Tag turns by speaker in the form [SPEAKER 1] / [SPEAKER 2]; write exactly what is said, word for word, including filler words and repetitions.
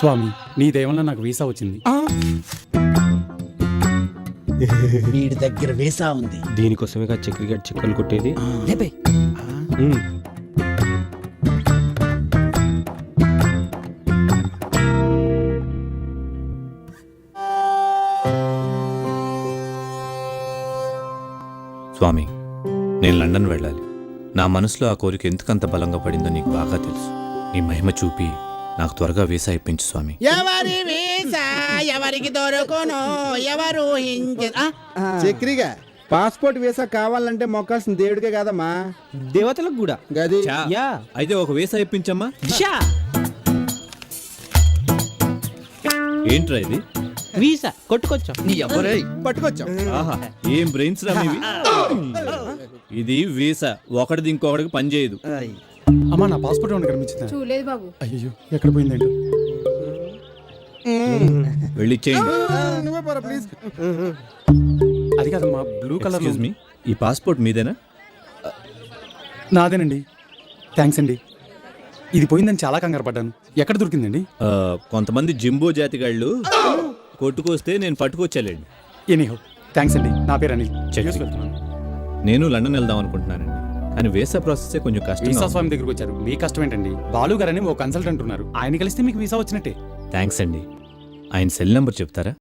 [SPEAKER 1] స్వామి నీ దయవల్ల నాకు వీసా వచ్చింది.
[SPEAKER 2] వీడి దగ్గర వీసా ఉంది.
[SPEAKER 3] దీనికోసమే చక్రి గడి చిక్కలు కొట్టేది.
[SPEAKER 2] లేపే.
[SPEAKER 3] ఉమ్. స్వామి, నేను లండన్ వెళ్ళాలి. నా మనసులో ఆ కోరిక ఎందుకంత బలంగా పడిందో నీకు బాగా తెలుసు. నీ మహిమ చూపి నాకు త్వరగా వీసా ఇప్పించు స్వామి.
[SPEAKER 2] ఎవరి వీసా ఎవరికి దొరకను ఎవరు
[SPEAKER 4] చక్రిగా పాస్పోర్ట్ వీసా కావాలంటే మొక్కాల్సిన దేవుడికే కాదమ్మా,
[SPEAKER 3] దేవతలకు కూడా.
[SPEAKER 4] గది
[SPEAKER 3] యా, అయితే ఒక వీసా ఇప్పించమ్మా. ఏంట్రా ఇది?
[SPEAKER 5] వీసా కొట్టుకొచ్చాం.
[SPEAKER 2] నీ ఎవరై
[SPEAKER 4] పట్టుకొచ్చాం.
[SPEAKER 3] ఆహా, ఏం బ్రెయిన్స్ రా మీవి. ఇది వీసా, ఒకటిది ఇంకొకటికి పని చేయదు.
[SPEAKER 1] అమ్మా నా పాస్పోర్ట్ ఏమైనా కనిపించిందా?
[SPEAKER 6] చూడలేదు బాబు.
[SPEAKER 1] అయ్యో ఎక్కడ పోయిందండి?
[SPEAKER 3] వెళ్ళి ఇచ్చేయండి.
[SPEAKER 4] నువ్వే పోరా ప్లీజ్.
[SPEAKER 1] అది కాదమ్మా, బ్లూ కలర్.
[SPEAKER 3] ఎక్స్క్యూజ్ మీ, ఈ పాస్పోర్ట్ మీదేనా?
[SPEAKER 1] నాదేనండి. థ్యాంక్స్ అండి. ఇది పోయిందని చాలా కంగారు పడ్డాను. ఎక్కడ దొరికిందండి?
[SPEAKER 3] ఆ, కొంతమంది జింబో జాతిగాళ్ళు కొట్టుకొస్తే నేను పట్టుకొచ్చాలేండి.
[SPEAKER 1] ఎనీహో థ్యాంక్స్ అండి. నా పేరు అనిల్.
[SPEAKER 3] చక్రి.
[SPEAKER 1] యూఎస్ వెళ్తున్నాను.
[SPEAKER 3] నేను లండన్ వెళ్దాం అనుకుంటున్నానండి, కానీ వీసా ప్రాసెస్ కొంచెం కష్టం.
[SPEAKER 1] వీసా స్వామి దగ్గరకు వచ్చారు. మీ కష్టం ఏంటండి? బాలు గారని ఓ కన్సల్టెంట్ ఉన్నారు, ఆయన కలిస్తే మీకు వీసా వచ్చినట్టే.
[SPEAKER 3] థ్యాంక్స్ అండి. ఆయన సెల్ నెంబర్ చెప్తారా?